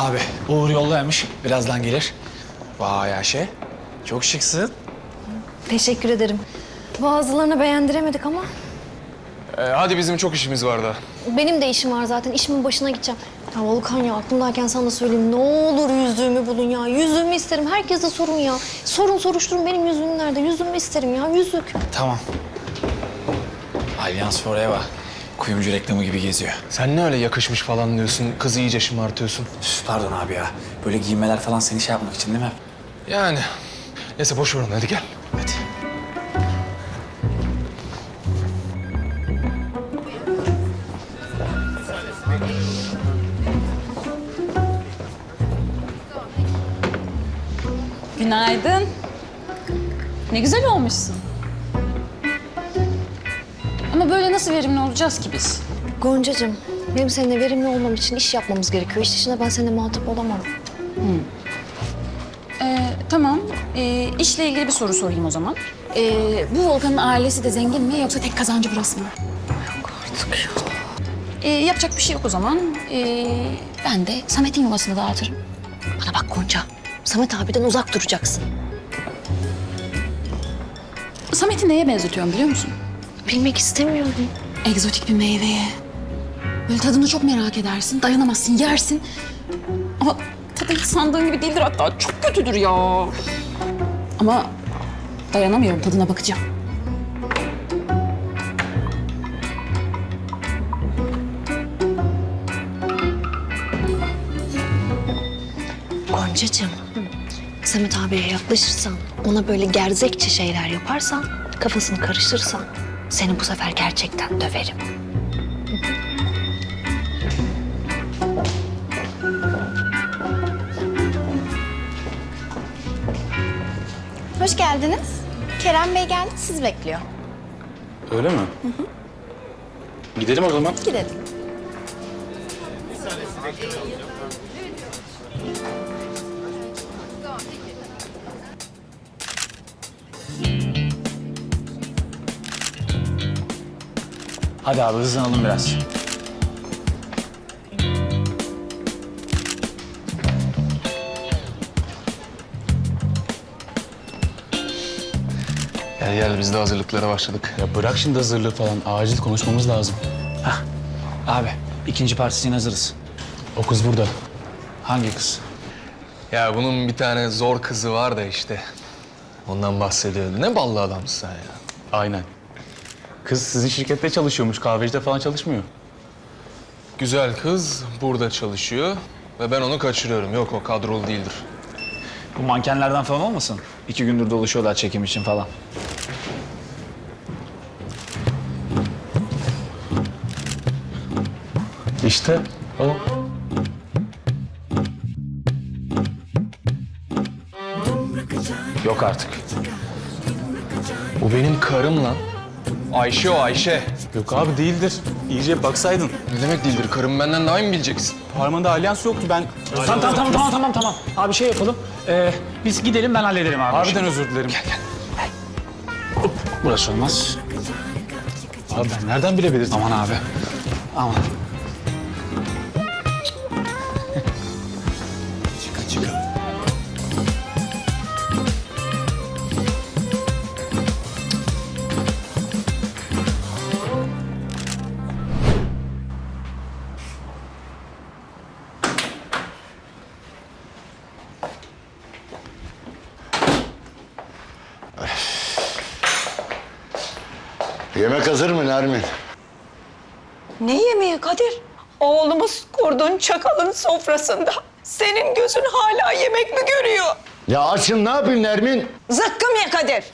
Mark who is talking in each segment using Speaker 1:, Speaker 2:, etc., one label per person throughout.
Speaker 1: Abi Uğur yoldaymış. Birazdan gelir. Vay Ayşe. Çok şıksın.
Speaker 2: Teşekkür ederim. Bazılarını beğendiremedik ama
Speaker 3: Hadi bizim çok işimiz var daha.
Speaker 2: benim de işim var zaten. İşimin başına gideceğim. Ya Volkan ya aklımdayken sana da söyleyeyim. Ne olur yüzüğümü bulun ya. Yüzüğümü isterim. Herkese sorun ya. Sorun soruşturun benim yüzüğüm nerede? Yüzüğümü isterim ya. Yüzük.
Speaker 1: Tamam. Alyans Forever. Kuyumcu reklamı gibi geziyor.
Speaker 3: Sen ne öyle yakışmış falan diyorsun, kızı iyice şımartıyorsun.
Speaker 1: Üf, pardon abi ya. Böyle giymeler falan seni şey yapmak için değil mi?
Speaker 3: Yani. Neyse boş ver onu, hadi gel.
Speaker 1: Hadi.
Speaker 4: Günaydın. Ne güzel olmuşsun. Ama böyle nasıl verimli olacağız ki biz?
Speaker 2: Goncacığım, benim seninle verimli olmam için iş yapmamız gerekiyor. İş dışında ben seninle muhatap olamam.
Speaker 4: Tamam. İşle ilgili bir soru sorayım o zaman. Bu Volkan'ın ailesi de zengin mi yoksa tek kazancı burası mı?
Speaker 2: Yok artık ya.
Speaker 4: Yapacak bir şey yok o zaman. Ben de Samet'in yuvasını dağıtırım.
Speaker 2: Bana bak Gonca, Samet abiden uzak duracaksın.
Speaker 4: Samet'i neye benzetiyorum biliyor musun?
Speaker 2: Bilmek istemiyorum.
Speaker 4: Egzotik bir meyveye. Böyle tadını çok merak edersin, dayanamazsın, yersin. Ama tadı hiç sandığın gibi değildir, hatta çok kötüdür ya. Ama dayanamıyorum, tadına bakacağım.
Speaker 2: Goncacığım, Samet abiye yaklaşırsan, ona böyle gerzekçe şeyler yaparsan, kafasını karıştırırsan seni bu sefer gerçekten döverim.
Speaker 5: Hoş geldiniz. Kerem Bey geldi, sizi bekliyor.
Speaker 1: Öyle mi? Gidelim o zaman.
Speaker 5: Gidelim.
Speaker 1: Hadi abi hızlanalım biraz.
Speaker 3: Gel gel, biz de hazırlıklara başladık.
Speaker 6: Ya bırak şimdi hazırlığı falan. Acil konuşmamız lazım.
Speaker 1: Abi ikinci partisi için hazırız.
Speaker 6: O kız burada.
Speaker 1: Hangi kız?
Speaker 3: Ya bunun bir tane zor kızı var da işte. Ondan bahsediyordu. Ne ballı adamsın sen ya.
Speaker 6: Aynen. Kız sizin şirkette çalışıyormuş. Kahvecide falan çalışmıyor.
Speaker 3: Güzel kız burada çalışıyor ve ben onu kaçırıyorum. Yok, o kadrolu değildir.
Speaker 1: Bu mankenlerden falan olmasın? 2 gündür dolaşıyorlar çekim için falan.
Speaker 6: İşte o.
Speaker 1: Yok artık.
Speaker 3: O benim karım lan. Ayşe o, Ayşe.
Speaker 6: Yok abi değildir. İyice baksaydın.
Speaker 3: Ne demek değildir? Karım benden daha iyi mi bileceksin?
Speaker 6: Parmağında alyans yoktu ben.
Speaker 1: Tamam. Abi şey yapalım. Biz gidelim ben hallederim abi.
Speaker 6: Harbiden özür dilerim.
Speaker 1: Burası olmaz.
Speaker 6: Abi ben nereden bilebilirdim?
Speaker 1: Aman abi. Aman.
Speaker 7: Yemek hazır mı Nermin?
Speaker 8: Ne yemeği Kadir? Oğlumuz kurdun çakalın sofrasında. Senin gözün hala yemek mi görüyor?
Speaker 7: Ya açım ne yapayım Nermin?
Speaker 8: Zıkkım ye Kadir.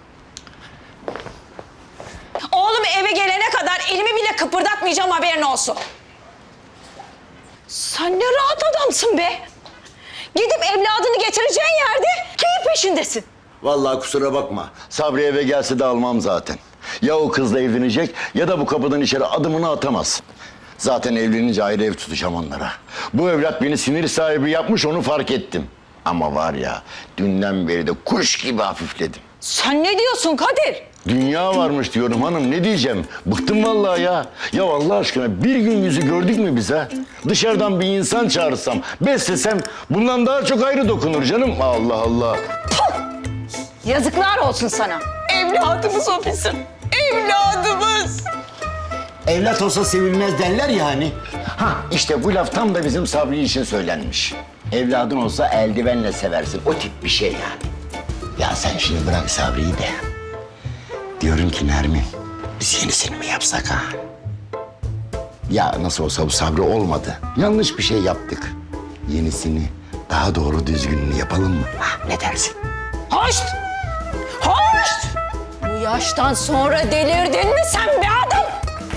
Speaker 8: Oğlum eve gelene kadar elimi bile kıpırdatmayacağım, haberin olsun. Sen ne rahat adamsın be. Gidip evladını getireceğin yerde keyif peşindesin.
Speaker 7: Vallahi kusura bakma. Sabri eve gelse de almam zaten. Ya o kızla evlenecek ya da bu kapıdan içeri adımını atamaz. Zaten evlenince ayrı ev tutacağım onlara. Bu evlat beni sinir sahibi yapmış, onu fark ettim. Ama var ya dünden beri de kuş gibi hafifledim.
Speaker 8: Sen ne diyorsun Kadir?
Speaker 7: Dünya varmış diyorum hanım, ne diyeceğim? Bıktım vallahi ya. Ya Allah aşkına bir gün yüzü gördük mü biz ha? Dışarıdan bir insan çağırsam, beslesem bundan daha çok ayrı dokunur canım. Allah Allah.
Speaker 8: Yazıklar olsun sana. Evladımız o bizim. Evladımız.
Speaker 7: Evlat olsa sevilmez derler ya hani. Ha işte bu laf tam da bizim Sabri için söylenmiş. Evladın olsa eldivenle seversin. O tip bir şey yani. Ya sen şimdi bırak Sabri'yi de. Diyorum ki Nermin, biz yenisini mi yapsak ha? Ya nasıl olsa bu Sabri olmadı. Yanlış bir şey yaptık. Yenisini, daha doğru düzgününü yapalım mı? Ha, ne dersin?
Speaker 8: Hoş! Hoş! Bu yaştan sonra delirdin mi sen be adam?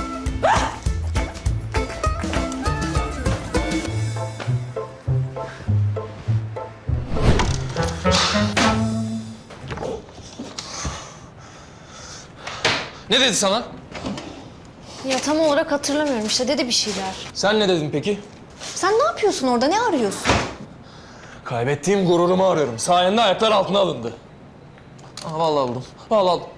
Speaker 3: Ne dedi sana?
Speaker 2: Ya tam olarak hatırlamıyorum işte dedi bir şeyler.
Speaker 3: Sen ne dedin peki?
Speaker 2: Sen ne yapıyorsun orada? Ne arıyorsun?
Speaker 3: Kaybettiğim gururumu arıyorum. Sayende ayaklar altına alındı. Aa, vallahi buldum. Vallahi aldım.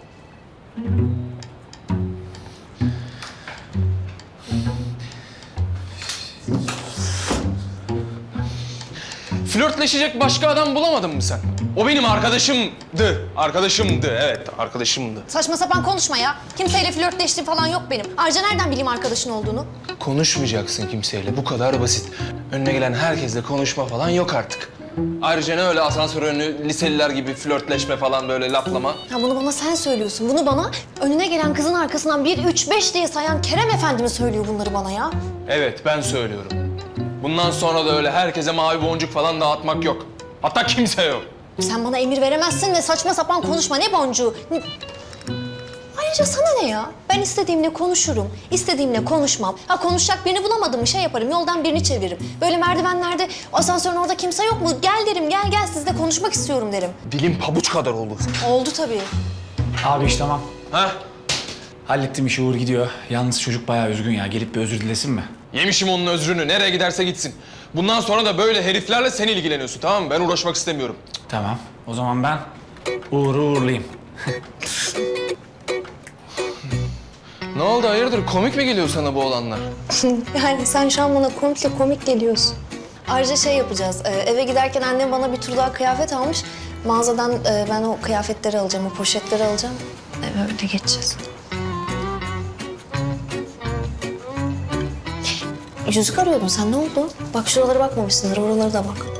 Speaker 3: Flörtleşecek başka adam bulamadın mı sen? O benim arkadaşımdı. Arkadaşımdı, evet arkadaşımdı.
Speaker 2: Saçma sapan konuşma ya. Kimseyle flörtleştiğim falan yok benim. Ayrıca nereden bileyim arkadaşın olduğunu?
Speaker 3: Konuşmayacaksın kimseyle. Bu kadar basit. Önüne gelen herkesle konuşma falan yok artık. Ayrıca ne öyle asansör önü liseliler gibi flörtleşme falan böyle laflama.
Speaker 2: Ya bunu bana sen söylüyorsun. Bunu bana önüne gelen kızın arkasından 1, 3, 5 diye sayan Kerem Efendi mi söylüyor bunları bana ya?
Speaker 3: Evet ben söylüyorum. Bundan sonra da öyle herkese mavi boncuk falan dağıtmak yok. Hatta kimse yok.
Speaker 2: Sen bana emir veremezsin ve saçma sapan konuşma. Ne boncuğu? Ayrıca sana ne ya? Ben istediğimle konuşurum, istediğimle konuşmam. Ha konuşacak birini bulamadım mı şey yaparım, yoldan birini çeviririm. Böyle merdivenlerde, asansörün orada kimse yok mu? Gel derim, gel sizle konuşmak istiyorum derim.
Speaker 3: Dilim pabuç kadar oldu.
Speaker 2: Oldu tabii.
Speaker 1: Abi iş tamam.
Speaker 3: Ha?
Speaker 1: Hallettim işi, Uğur gidiyor. Yalnız çocuk bayağı üzgün ya. Gelip bir özür dilesin mi?
Speaker 3: Yemişim onun özrünü. Nereye giderse gitsin. Bundan sonra da böyle heriflerle sen ilgileniyorsun, tamam mı? Ben uğraşmak istemiyorum.
Speaker 1: Tamam. O zaman ben Uğur'u uğurlayayım.
Speaker 3: Ne oldu hayırdır? Komik mi geliyor sana bu olanlar?
Speaker 2: Yani sen şu an bana komik geliyorsun. Ayrıca şey yapacağız, eve giderken annem bana bir tur daha kıyafet almış. Mağazadan ben o kıyafetleri alacağım, o poşetleri alacağım. Eve öyle geçeceğiz. Yüzük arıyordun sen, ne oldu? Bak şuralara bakmamışsındır, oralara da bak.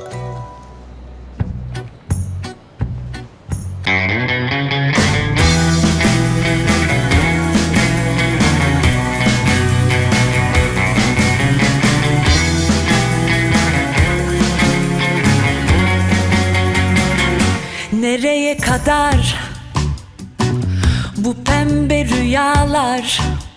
Speaker 9: Nereye kadar bu pembe rüyalar?